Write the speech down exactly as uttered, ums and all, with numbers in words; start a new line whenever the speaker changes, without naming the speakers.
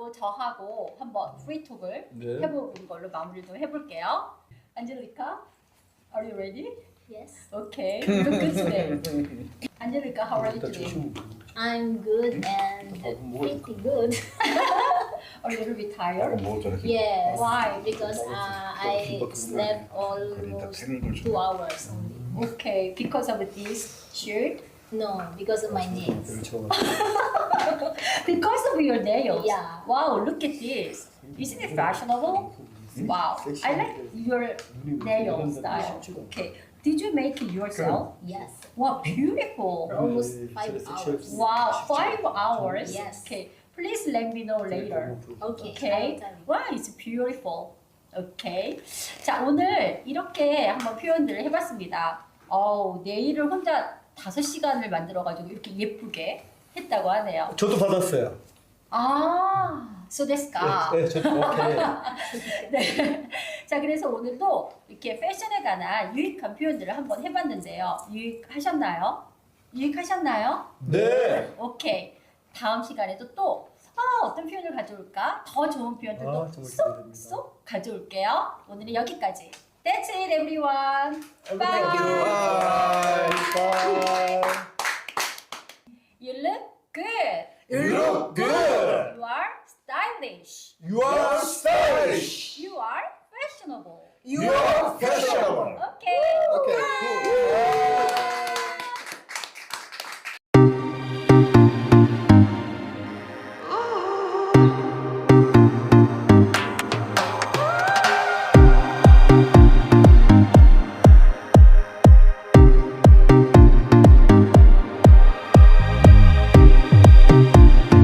그리고 저하고 한번 프리톡을
네.
해보는 걸로 마무리 좀 해볼게요. 안젤리카, are you ready?
Yes.
Okay, you look good today. Angelica, how are you today?
I'm good and pretty good.
Are you a little bit
아까
tired?
먹었잖아.
Yes.
Why?
Because uh, I slept almost two hours only.
Okay, because of this shirt?
No, because of my nails.
Because of your nails?
Yeah.
Wow, look at this. Isn't it fashionable? Wow, I like your nail style. Okay, did you make it yourself?
Yes.
Wow, beautiful.
For almost five hours.
Wow, five hours?
Yes.
Okay, please let me know later.
Okay.
Okay.
I will tell you.
Wow, it's beautiful. Okay. 자, 오늘 이렇게 한번 표현들을 해봤습니다. 어우, 네일을 혼자 다섯 시간을 만들어가지고 이렇게 예쁘게 했다고 하네요.
저도 받았어요.
아, 소데스까.
네, 저도 오케이.
네. 자, 그래서 오늘도 이렇게 패션에 관한 유익한 표현들을 한번 해봤는데요. 유익하셨나요? 유익하셨나요?
네.
오케이. 다음 시간에도 또 아, 어떤 표현을 가져올까? 더 좋은 표현들도
아, 정말 기대됩니다.
쏙쏙 가져올게요. 오늘은 여기까지. That's it, everyone. Bye.
Bye. Bye.
You look good.
You look good.
You are stylish.
You are stylish.
You are fashionable.
You are fashionable.